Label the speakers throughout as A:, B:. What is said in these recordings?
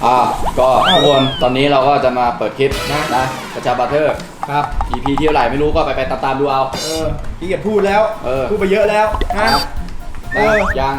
A: ก็ทุกคนตอนนี้เราก็จะมาเปิดคลิปนะประชาบัตเตอร์
B: ครับ
A: EP ที่เท่าไหร่ไม่รู้ก็ไปตามดูเอา
B: พี่เกียรพูดแล้วพูดไปเยอะแล้วนะ
A: ยัง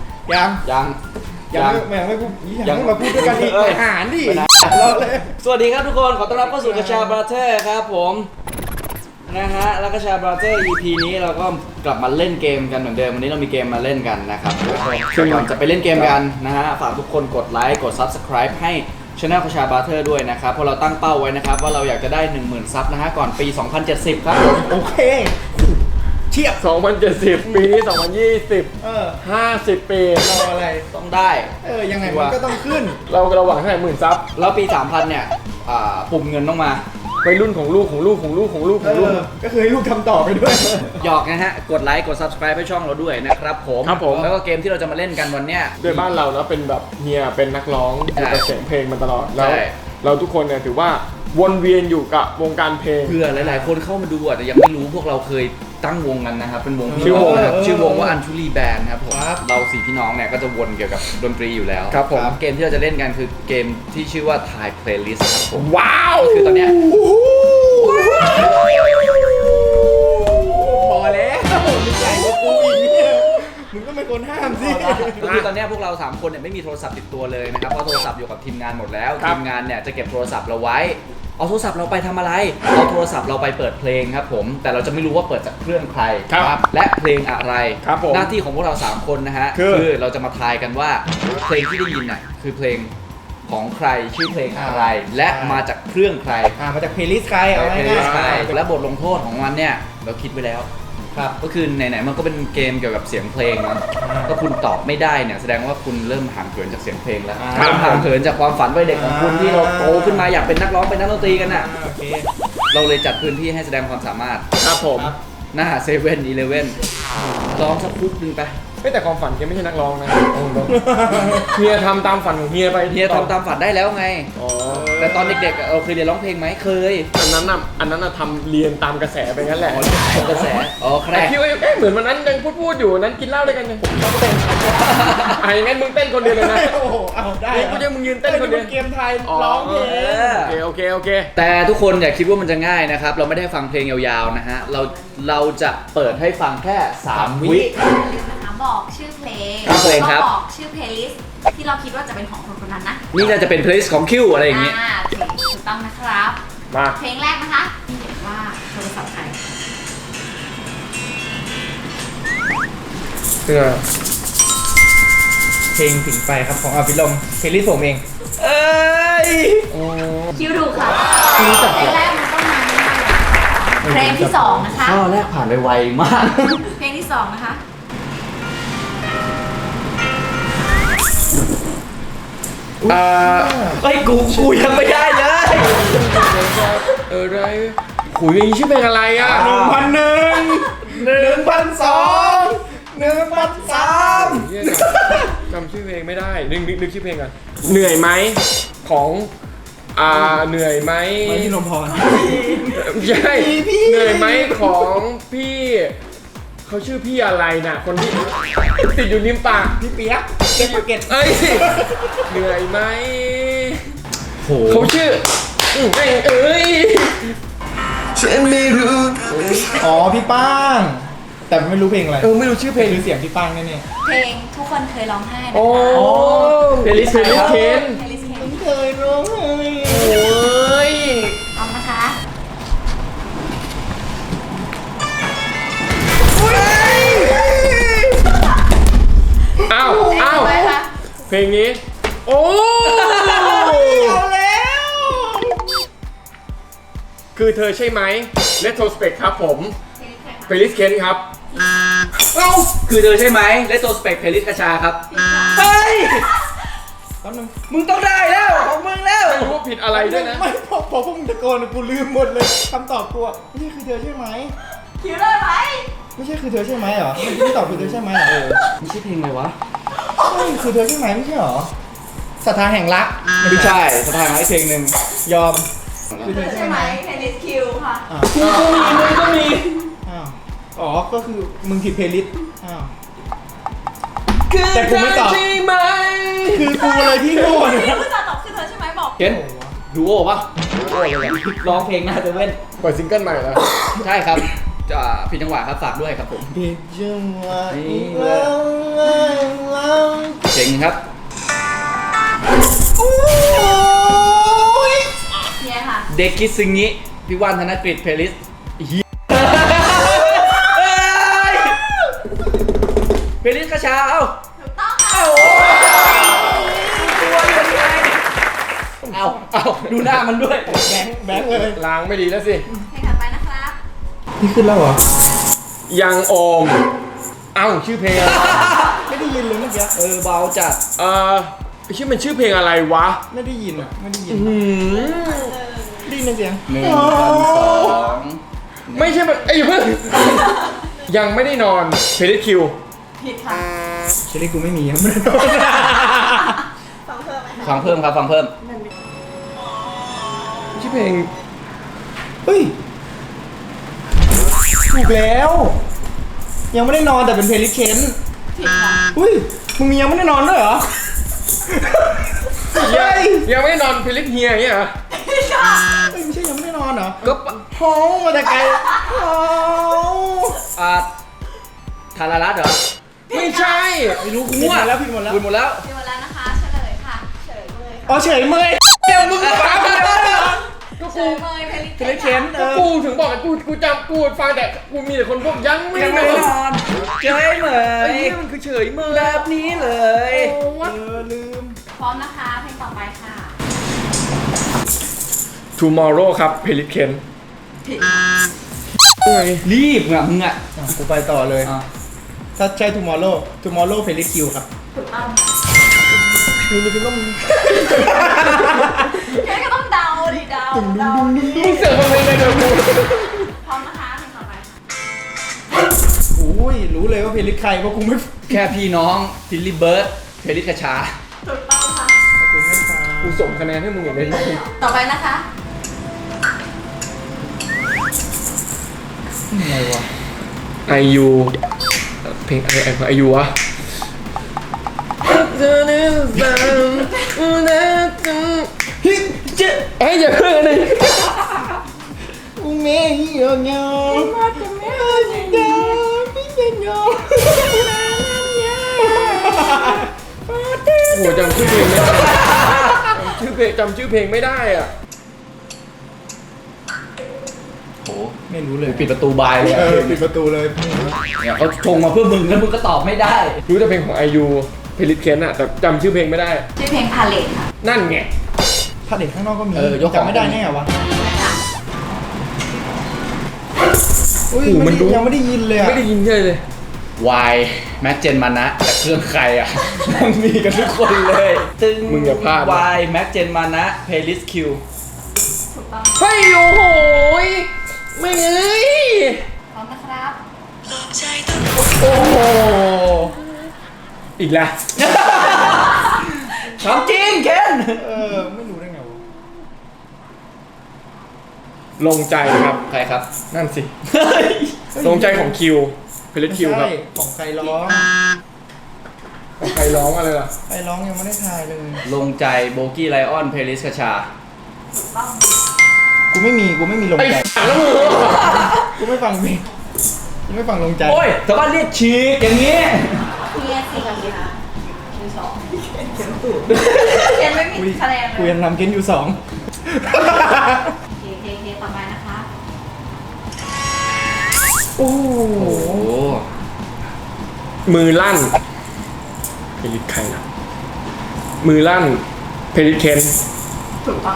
B: ไม่พูดยังไม่มาพูดด้วยกันอีกอาหารดิ
A: สวัสดีครับทุกคนขอต้อนรับเข้าสู่กระชาบัตเตอร์ครับผมนะฮะแล้วกระชาบัตเตอร์ EP นี้เราก็กลับมาเล่นเกมกันเหมือนเดิมวันนี้เรามีเกมมาเล่นกันนะครับก่อนจะไปเล่นเกมกันนะฮะฝากทุกคนกดไลค์กด Subscribe ให้Channel กระชาบัตเตอร์ด้วยนะครับเพราะเราตั้งเป้าไว้นะครับว่าเราอยากจะได้ 10,000 ซับนะฮะก่อนปี 2070 ครับ
B: โอเคเทียบ
C: 2070 ปีนี้2020 50 ปี
B: รออะไร
A: ต้องได้
B: ยังไงมันก็ต้องขึ้น
C: เราหวังให้10,000 ซับ
A: แล้วปี 3000 เนี่ยปุ่มเงินต้องมา
C: ไปรุ่นของลูก
B: ก็คือให้ลูกทำต่อไปด้วย
A: หยอกนะฮะกดไลค์กด Subscribe ให้ช่องเราด้วยนะครับผมแล้วก็เกมที่เราจะมาเล่นกันวันเนี้ย
C: ด้วยบ้านเราแล้วเป็นแบบเฮียเป็นนักร้องอยู่กับเสียงเพลงมาตลอดแล้วเราทุกคนเนี่ยถือว่าวนเวียนอยู่กับวงการเพลง
A: เพื่อหลายๆคนเข้ามาดูแต่ยังไม่รู้พวกเราเคยตั้งวงกันนะครับเป็นวงชื่อวงว่าอันชูรีแบนด์ครับผมเราสี่พี่น้องเนี่ยก็จะวนเกี่ยวกับดนตรีอยู่แล้ว
C: ครับผม
A: เกมที่เราจะเล่นกันคือเกมที่ชื่อว่า Thai Playlist ครับผม
C: ว้าว
A: คือตอนเนี้ย
B: พอแล้วมึงใหญ่กว่ากูอีกมึงก็ไม่ควรห้ามสิ
A: คือตอนนี้พวกเรา3คนเนี่ยไม่มีโทรศัพท์ติดตัวเลยนะครับเพราะโทรศัพท์อยู่กับทีมงานหมดแล้วทีมงานเนี่ยจะเก็บโทรศัพท์เราไว้เอาโทรศัพท์เราไปทำอะไรเอาโทรศัพท์เราไปเปิดเพลงครับผมแต่เราจะไม่รู้ว่าเปิดจากเครื่องใครและเพลงอะไรหน้าที่ของพวกเรา3คนนะฮะคือเราจะมาทายกันว่าเพลงที่ได้ยินน่ะคือเพลงของใครชื่อเพลงอะไรและมาจากเครื่องใคร
B: มาจากเพลย์ลิสต์ใครเอาไว้
A: และบทลงโทษของมันเนี่ยเราคิดไว้แล้วก็คือไหนๆมันก็เป็นเกมเกี่ยวกับเสียงเพลงนะก็คุณตอบไม่ได้เนี่ยแสดงว่าคุณเริ่มห่างเหินจากเสียงเพลงแล้วเริ่มห่างเหินจากความฝันวัยเด็กของคุณที่เราโตขึ้นมาอยากเป็นนักร้องเป็นนักดนตรีกันน่ะเราเลยจัดพื้นที่ให้แสดงความสามารถ
C: ครับผม
A: หน้า7-Elevenร้องสักคุกนึงไป
C: แต่ความฝันแกไม่ใช่นักร้องนะเฮียทำตามฝันของเฮียไป
A: เฮียทำตามฝันได้แล้วไงแต่ตอนเด็กๆเราเคยเรียนร้องเพลงไหมเคย
C: อันนั้นน่ะทำเรียนตามกระแสไปงั้นแหละ
A: กระแส
C: แต่คิดว่าเหมือนวันนั้นยังพูดอยู่นั้นกินเหล้าด้วยกันยังต้องเต้นงั้นมึงเต้นคนเดียวเลยนะ
B: โอ้โหเอาได้
C: กูจะมึงยืนเต้นคนเดียว
B: เกมไทยร้องเพล
C: งโอเค
A: แต่ทุกคนอย่าคิดว่ามันจะง่ายนะครับเราไม่ได้ฟังเพลงยาวๆนะฮะเราจะเปิดให้ฟังแค่3 วิ
D: บอกชื่อเพลง
A: ครับ
D: บอกชื่อเพลย์ลิสต์ที่เราคิดว่าจะเป็นของคนคนนั้นนะ
A: นี่น่าจะเป็นเพลย์ลิสต์ของคิวอะไรอย่างงี้
D: ถูกต้องนะครับ
C: มา
D: เพลงแรกนะคะที่เห็นว่าโทรศัพท์ใคร
B: เพลงถึงไปครับของอภิรมย์เพลย์ลิสต์ผมเอง
D: คิวถูกค่ะเพลงแรกมันต้องมาเพลงที่2นะคะ
A: ข้อแรกผ่านไปไวมาก
D: เพลงที่2นะคะ
A: กูยังไม่ได้เลย
C: อะไรขุยมีชื่อเพลงอะไรอ่ะจำชื่อเพลงไม่ได้นึกชื่อเพลงกันเหนื่อยไหมของเหนื่อยไหม
B: พี่นมพร
C: ใช่เหนื่อยไหมของพี่เขาชื่อพี่อะไรน่ะคนที่ติดอยู่ริมปาก
B: พี่เปี๊ยกเก็ต
C: เหนื่อยไหมเขาชื่อฉันไม่รู้
B: พี่ป้างแต่ไม่รู้เพลงอะไร
C: ไม่รู้ชื่อเพลง
B: หรือเสียงพี่ป้างแน่
D: เพลงทุกคนเคยร้องไห้นะคะ
C: เพลย์ลิสต์เคน
B: เคยร้องไห้
D: เอานะคะ
C: อ้าวเพลงนี้เอา
B: แล้ว
C: คือเธอใช่ไหม Retrospect ครับผมเพลย์ลิสต์เคนครับ
A: คือเธอใช่ไหม Retrospect เพลย์ลิสต์กระชาครับเฮ้ยมึงต้องได้แล้วของมึงแล้ว
C: ไม่รู้ว่าผิดอะไรด้วยนะ
B: ไม่พอพวกมึงตะโกนกูลืมหมดเลยคำตอบกูไม่ใช่คือเธอใช่ไหม
D: คิวได้ไหม
B: ไม่ใช่คือเธอใช่ไหมเหรอไม่ตอบคือเธอใช่ไหมเหรอ
A: ไม่ใช่เพลงเลยวะ
B: คือเธอใช่ไหมไม่ใช่เหรอศรัทธาแห่งรัก
A: ไม่ใช่ศรัทธาแห่งรักเพลงหนึ่ง
B: ยอม
D: คือเธอใช่ไหมเพลย์ลิสต์คิวค่ะ
A: มึงก็มี
B: ก็คือมึงผิดเพลย์ลิสต์
C: แต่กูไม่ตอบคือ
B: กูเลยที่โง่
D: คือตอบคือเธอใช่
A: เห็นดูโอ้ปะดูโอ้เลยร้องเพลงหน้าเซเว่น
C: ปล่อยซิงเกิลใหม่แล้ว
A: ใช่ครับจะผิดจังหวะครับฝากด้วยครับผม
B: ผิดจังหวะ
A: นี่
B: อีก
A: เล
B: แล้ว
A: เจ๋งครับ
B: โอ้ย
D: เนี่ยค่ะ
A: เด็กคิดซึงงี้พี่ว่านธนกฤษเพลิสเพลิสกระชาเอ้า
D: ถูกต้องค่ะ
A: เอ้าตัวยังไงเอ้าดูหน้ามันด้วย
B: แบงค์เลย
C: ล้างไม่ดีแล้วสิ
D: เพลงถัดไปนะครับ
B: นี่ขึ้นแล้วเหรอ
C: ยังโอม เอ้าชื่อเพลงอะไร
B: ไม่ได้ยินเลยเมื่อกี้
A: เบาจัด
C: ชื่อมันชื่อเพลงอะไรวะ
B: ไม่ได้ยินอ่ะไม่ได้ยิน
C: หืม
B: ได้ยินเสียง
A: 1,200
C: ไม่ใช่มันไอ้ยอย่าเพิ่ง ยังไม่ได้นอนเพลิสคิว
D: ผิดค่ะ
B: เชอรี่กูไม่มียังไม่ได้นอน
A: ฟังเพิ่มครับฟังเพิ่ม
C: ชื่อเพลง
B: เฮ้ยถูกแล้ว ยังไม่ได้นอนแต่เป็นเพลย์ลิสต์เคน
D: ผิดค่ะ
B: อุ้ยมึงมียังไม่ได้นอนด้วยเหรอเฮ้ย
C: ยังไม่ได้นอนเพลิสเฮียอย่างเงี้ยเหรอ
D: ผิดค่ะ
B: เฮ้ยไม่ใช่ยังไม่ได้นอนเหรอ
A: ก็
B: โอ้มาแต่ไกลโอ้
A: ธารารัตน์เหรอ
C: ไม่ใช่
A: ไม่รู้กู
B: ผิดห
A: มั่ว
B: มดแล้วผิดหมดแล้ว
A: คุณหมดแล้ว
D: ผิดหมดแล้วนะคะ เฉลยค่ะ เฉลยเลยค่ะ
B: อ๋อเฉยเมยเดี๋ยวมึงฟังเลย
C: ก็
D: เฉ
C: กู
D: ลยเลยเพลง
B: เพลย์ลิสต์เคนเอ
C: ก็
B: อ
C: กูถึงบอกไอ้กูจำกูฟังแต่กูมีแต่คนพวกยังไม่
A: ยัง
C: น
A: ไม่
C: อ
A: ได้
C: น
A: นอนเจ๊เหม
C: ไอ้
A: ย
C: เนี่ยมันคือเฉยเมย
A: แบบนี้เลย
B: ลืม
D: พร้อมนะคะ เพลงต่อไปค่ะ
C: Tomorrow ครับเพลิสเคน
D: ผิด
A: รีบอ่ะมึงอ่ะ
B: อ่ะกูไปต่อเลย
A: อ่ะ
B: ถ้าใช่ tomorrow เพลย์ลิสต์คิวครับ
D: ถูกต้อง
B: มีนี่คือต้อง
D: แค่ก็ต้องเดาดิเดาเดาดิ
C: มึงเสือกทำไมเนี่ยเดี๋ยวกู
D: พร้อมนะคะ เพลงต่อไปค่ะ
B: อุ้ยรู้เลยว่าเพลย์ลิสต์ใครเพราะกูไม่
A: แค่พี่น้องทิลลี่เบิร์ดเพลิสกระชา
D: ถูกต้องค่ะ
B: กูไม่ฟัง
C: กูส่งคะแนนให้มึงอย่างนี้
D: ต่อไปนะคะ
B: อะไรวะ
C: ไอยูเพลงอะไรไอยูวะ
B: เฮ้ยเจ๊
C: ไอ้อย่าเพิ่งเลย
B: กูเมย์เหี่ยวเงามาจะเมย์เหี่ยวพี่เหี่ยวเงา
C: โอ้โหจำชื่อเพลงไม่ได้จำชื่อเพลงไม่ได้อ่ะ
A: โห
B: ไม่รู้เลย
A: ปิดประตูบายเลย
B: เอ
A: อะ
B: อปิดประตูเลย
A: เนี่ยเขาชงมาเพื่อมึงแล้วมึงก็ตอบไม่ได้
C: รู้แต่เพลงของไอยูเพลิสเคนอ่ะแต่จำชื่อเพลงไม่ได้
D: ชื่อเพลงพาเลทค่ะ
C: นั่นไง
B: ผลิตข้างนอกก็มี
A: ยกของ
B: จำไม่ได้แน่วะอุ้ย
C: โอ้โหมันดู
B: ยังไม่ได้ยินเลยอะ
C: ไม่ได้ยินเลย
A: วายแม็กเจนมานะแต่เครื่องใครอ่ะ มันมีกันทุกคนเลยตึง
C: มึงอย่าพลาดนะ
A: วายแม็กเจนมานะเพลย์ลิสต์คิว
D: ถูกต้อง
C: เฮ้ยโอ้โหยไม่เอ้ย
D: พร้อมนะครับ
C: โอ้โหอีกแล้ว
A: ถามจริงเคน
B: ไม่รู้ได้ไงวะ
C: ลงใจครับ
A: ใครครับ
C: นั่นสิลงใจของคิวเพลิสคิวครับ
B: ไม่ใช่ของใครร้อง
C: ใครร้องอะไรล่ะ
B: ใครร้องยังไม่ได้ทายเลย
A: ลงใจโบกี้ไลออนเพลย์ลิสต์กระชา
D: ถูกต้อง
B: กูไม่มีลง
C: ไอ้
B: ใจ
C: สัตว์แล้วมึง
B: กูไม่ฟังเพลงกูไม่ฟังลงใจ
A: โอ้ยชาวบ้านเรียกฉีกอย่างนี้
D: เฮียสี่ค่ะคิวสองเขียนไม่มีคะแนน
B: กู
D: เลย
B: ยังนำเกนอยู่ 2
D: เคต่อไปนะคะ
B: โอ้โห
A: โอ้โห
C: มือลั่นเพลิสใครนะมือลั่นเพลิสเคน
D: ถูกต้อง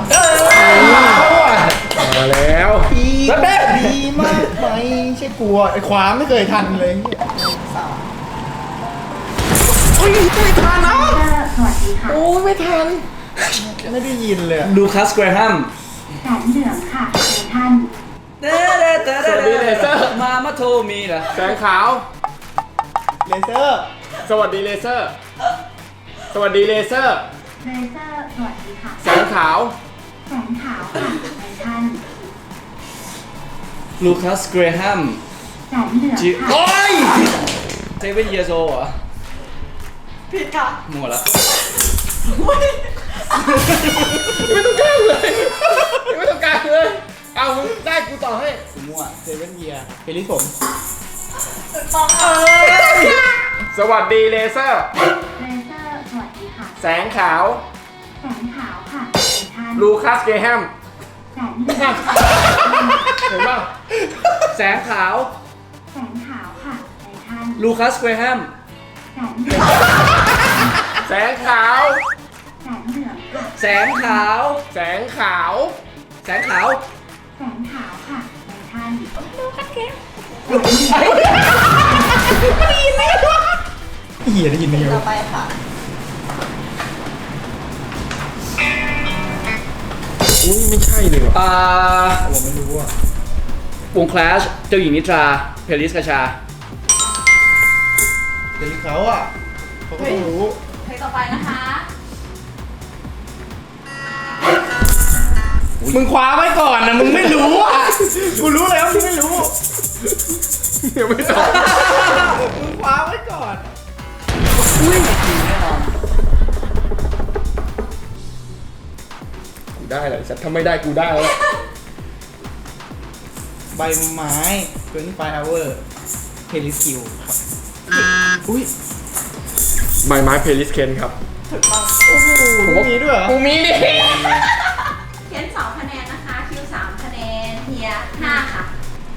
C: มาแล้ว
B: ดีดีมากไหมใช่กลัวไอ้ขวาไม่เคยทันเลย
C: อุ้ยไม่ทันนะ
D: สวัสดีค่ะ
C: โอ้ยไม่ทัน
B: ไม่ได้ยินเลยอะ
A: ลูคัสแกรแฮม
D: แสนเหลืองค่ะท่าน
A: มาโทมีเหรอ
C: แสงขาว
B: เลเซอร์
C: สวัสดีเลเซอร์ สวัสดีเลเซอร์
D: เลเซอร์สวัสดีค่ะ
C: แสงขาว
D: แสงขาวค่ะท่าน
A: ลูคัสแกรแฮม
D: แสนเหลือง
A: จิ
D: ค่ะ
A: โอ้ยเซเว่นเยโซเหรอ
D: ผิดค่ะ
A: มั่วแล้ว
D: ส
C: ไม่ต้องกลางเลยไม่ต้องกลางเลยเอามึงได้กูต่อให้
B: ผมมั่วเซเว่นเยียเพลิสผม
D: ถูกต้องค่ะ
C: สวัสดีเลเซอร์
E: เลเซอร์สวัสดีค่ะ
C: แสงขาว
E: แสงขาวค่ะไททัน
C: ลูคัสเกแฮม
E: แสงเหลือง
C: เห็นป่ะ
A: แสงขาว
E: แสงขาวค่ะไททัน
A: ลูคัสเกรแฮม
E: แสงเหลือง
C: แสงขาว
E: แสงเหลืองค่ะ
A: แสงขาว
C: แสงขาว
A: แสงขาว
E: แสงขาวค่ะไททัน
B: เฮียได้ยินไหม
D: ต่อไปค่ะ
C: อุ้ยไม่ใช่เลยว่ะ
B: ผมไม่รู้อ่ะ
A: วงคลาสเจ้าหญิงนิทราเพลิสกชา
B: เพลิสเขาอ่ะเขาก็ต้องรู้
D: เพลงต่อไปนะคะ
B: มึงคว้าไว้ก่อนนะมึงไม่รู้อ่ะกูรู้แล้วมึงไม่รู้
C: เดี๋ยวไม่ตอบ
B: มึงคว้าไว้ก่อน
C: กูได้เลยสัตว์ถ้าไม่ได้กูได้แล้ว
B: ใบไม้25 hour เพลิสคิวครับอุ้ย
C: ใบไม้เพลิสเคนครับ
B: ผมว่ามีด้วยเหรอ
C: กูมีดิ
D: เขียน2คะแนนนะคะ คิว3คะแนน เฮีย5ค่ะ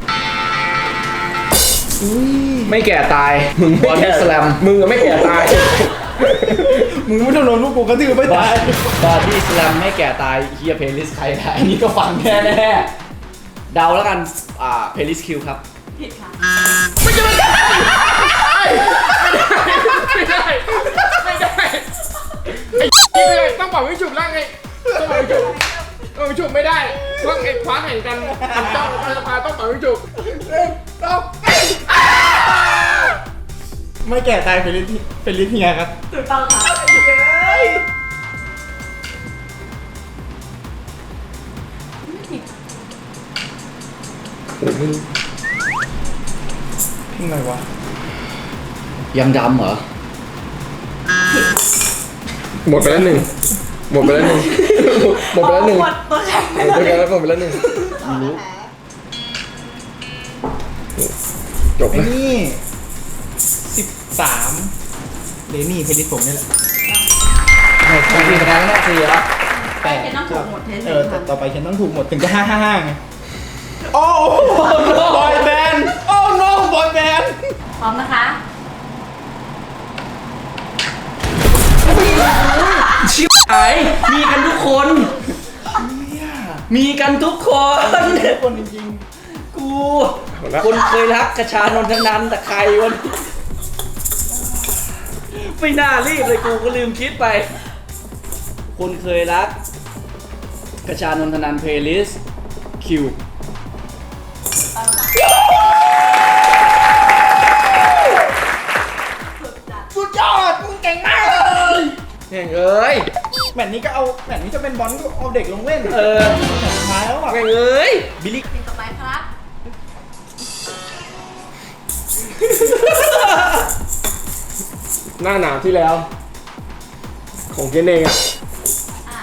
B: อุ้ย
A: ไม่แก่ตาย มึงบอดี้สแลม
C: มึงอะไม่แก่ตาย
B: มึงไม่ต้องโดนพวกกูกระตือไม่ตาย
A: บอดี้สแลมไม่แก่ตายเฮียเพลิสใครได้อันนี้ก็ฟังแน่แน่ๆเดาแล้วกันเพลิสคิวครับ
D: ผิดค่ะ
C: ไม่ได้ ไม่ได้ ไม่ได้ไอ้ไม่ได้ต้องบอกวิจุบแล้วไงต้องบอกวิจุบวิจุบไม่ได้เพราะไอ้คว้าแข่งกันมันต้องสภาต้องบอกวิจุบ
B: ไม่แก่ตายเพลิสเฮียครับ
D: ถูกต้องค่ะ
B: เพลงอะไรวะ
A: ยังดำเหรอ
C: หมดไปแล้วหนึ่งหมดไปแล้วหนึ่งหมดไปแล้วหนึ่ง
D: หมดตัวแข่ง
C: หมดไปแล้วหมดไปแล้วหนึ่งจบ
B: ไอ้
C: นะ
B: นี่13เลนี่เพลิสผมนี่แหละ
A: กี่คะแนนแน่สี่แล้ว
D: ไปเขียนต้องถูกหมดเทส
B: แต่ต่อไปฉันต้องถูกหมดถึงจะ555ไงโอ้บอยแบนด์โอ้ no บอยแบนด์
D: พร้อมนะคะ
A: ชิบหายมีกันทุกคน มีกันทุกคน
B: ทุกคนจริง
A: กู คนเคยรักกระชานนทนันแต่ใครวันไม่น่ารีบเลยกูก็ลืมคิดไป คนเคยรักกระชานนทนันเพลลิสคิว
B: ๆสุดยอดมึงเก่งมากเลย
C: แม่งเอ้ย
B: แมตช์นี้ก็เอาแมตช์นี้จะเป็นบอลก็เอาเด็กลงเล่น
A: เออ
B: สุดท้ายแล้วอ่ะ
C: แม่งเอ้ย
A: บิลลี่
D: เพลงต่อไปครับ
C: หน้าหนาวที่แล้ว ของเจนเองอ่ะ
D: อ่า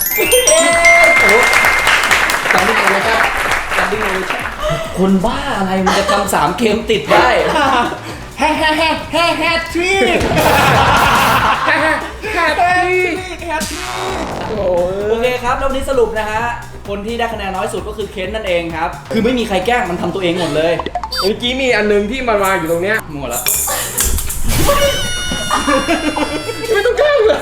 A: จังดิ้งเลยครับจังดิ้งเลยครับคนบ้าอะไรมันจะทำ3 เกมติดได้
B: แฮ่ทริก
C: แค่
B: แฮตทริก
C: โอ้
A: โอเคครับแล้ววันนี้สรุปนะฮะ คนที่ได้คะแนนน้อยสุดก็คือเคนนั่นเองครับ คือไม่มีใครแกล้งมันทำตัวเองหมดเลย
C: เมื่อกี้มีอันนึงที่มันวางอยู่ตรงเนี้ย
A: หมดแล้ว
C: ไม่ต้องแกล้งเลย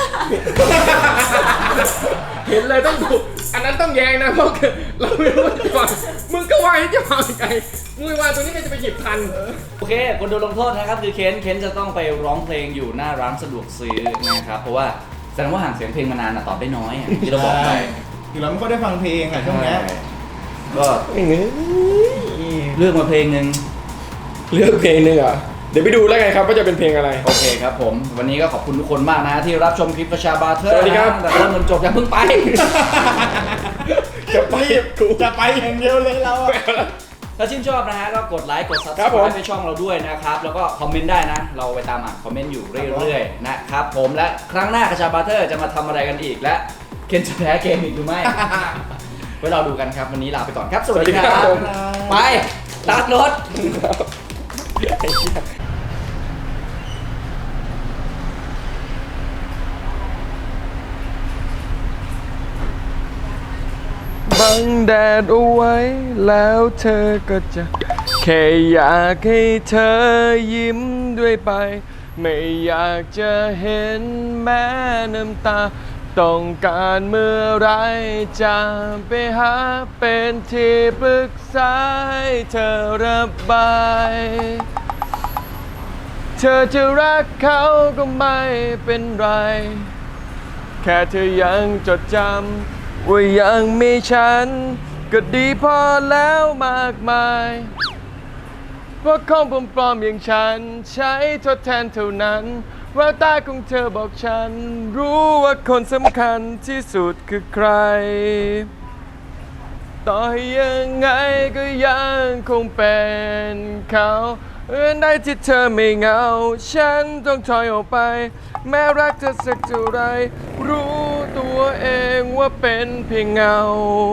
C: เห็นเลยต้องถูกอันนั้นต้องแยงนะเพราะเราไม่รู้ว่าจะวางมึงก็วางให้จะวางยังไงมึงวางตัวนี้ก็จะไปหยิบทัน
A: โอเค คนโดนลงโทษนะครับคือเคนจะต้องไปร้องเพลงอยู่หน้าร้านสะดวกซื้อนะครับ เพราะว่าแสดงว่าห่างเสียงเพลงมานานอะตอบได้น้อยอะที่เราบอกไป
B: ถึงเราไม่ค่อยได้ฟังเพลงอะช่วงเนี้ย
A: ก็
C: อย่างนี้
A: เลือกมาเพลงหนึ่ง
C: เลือกเพลงหนึงอ่ะเดี๋ยวไปดูแล้วไงครับว่าจะเป็นเพลงอะไร
A: โอเคครับผม วันนี้ก็ขอบคุณทุกคนมากนะที่รับชมคลิปประชาบาเทอร์
C: สวัสดีครับ
A: แต่เริ่มจนจบอย่าเพิ่งไป
B: จะไปอย่างเดียวเลยเราอะ
A: ถ้าชื่นชอบนะฮะก็กดไลค์กด
C: ครับผม
A: subscribe ให้ช่องเราด้วยนะครับแล้วก็คอมเมนต์ได้นะเราไปตามอ่านคอมเมนต์อยู่เรื่อยๆนะครับผมและครั้งหน้ากระชาบาร์เทอร์จะมาทำอะไรกันอีกและเคนจะแพ้เกมอีกหรือไม่ ไว้เราดูกันครับวันนี้ลาไปก่อนครับสวัสดีครับ
C: ผม
A: ไปตัดรถ
C: บังแดดเอาไว้แล้วเธอก็จะแค่อยากให้เธอยิ้มด้วยไป ไม่อยากจะเห็นแม้น้ำตาต้องการเมื่อไรจะไปหาเป็นที่ปรึกษาให้เธอระบายเธอจะรักเขาก็ไม่เป็นไร แค่เธอยังจดจำว่ายังมีฉันก็ดีพอแล้วมากมายเพราะของปลอมๆอย่างฉันใช้ทดแทนเท่านั้นแววตาของเธอบอกฉันรู้ว่าคนสำคัญที่สุดคือใครต่อให้ยังไงก็ยังคงเป็นเขาได้ที่เธอไม่เหงาฉันต้องถอยออกไปแม้รักเธอสักเท่าไรรู้ตัวเองว่าเป็นเพียงเงา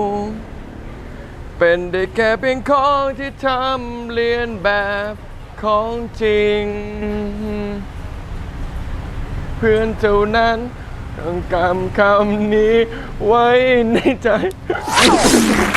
C: เป็นได้แค่เพียงของที่ทำเลียนแบบของจริงเพื่อนเท่านั้นต้องกำคำนี้ไว้ในใจ